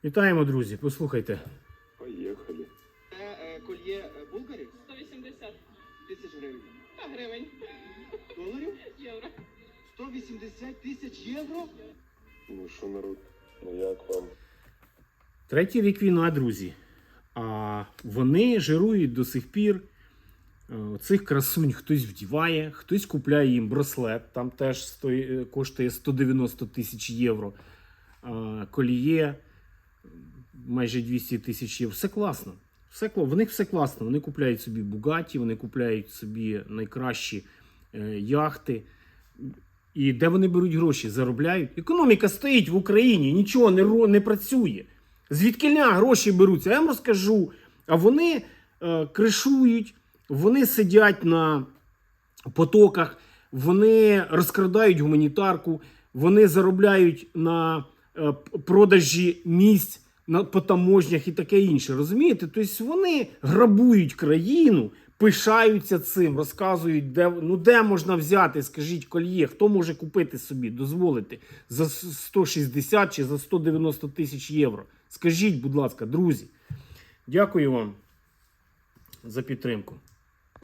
Вітаємо, друзі, послухайте. Поїхали. Це кольє булгарів? 180 Тисяч гривень. та гривень. Доларів? Євро. 180 тисяч євро? Ну що, народ, ну як вам? Третій рік війна, друзі. А вони жирують до сих пір. Цих красунь хтось вдіває, хтось купляє їм браслет, там теж коштує 190 тисяч євро. Коліє майже 200 тисяч євро. Все класно. В них все класно. Вони купляють собі Бугаті, вони купляють собі найкращі яхти. І де вони беруть гроші? Заробляють. Економіка стоїть в Україні, нічого не працює. Звідкиля гроші беруться? Я вам розкажу. А вони кришують, вони сидять на потоках, вони розкрадають гуманітарку, вони заробляють на продажі місць по таможнях і таке інше. Розумієте? Тобто вони грабують країну, пишаються цим, розказують, де можна взяти, скажіть, кольє, хто може купити собі, дозволити за 160 чи за 190 тисяч євро. Скажіть, будь ласка, друзі. Дякую вам за підтримку.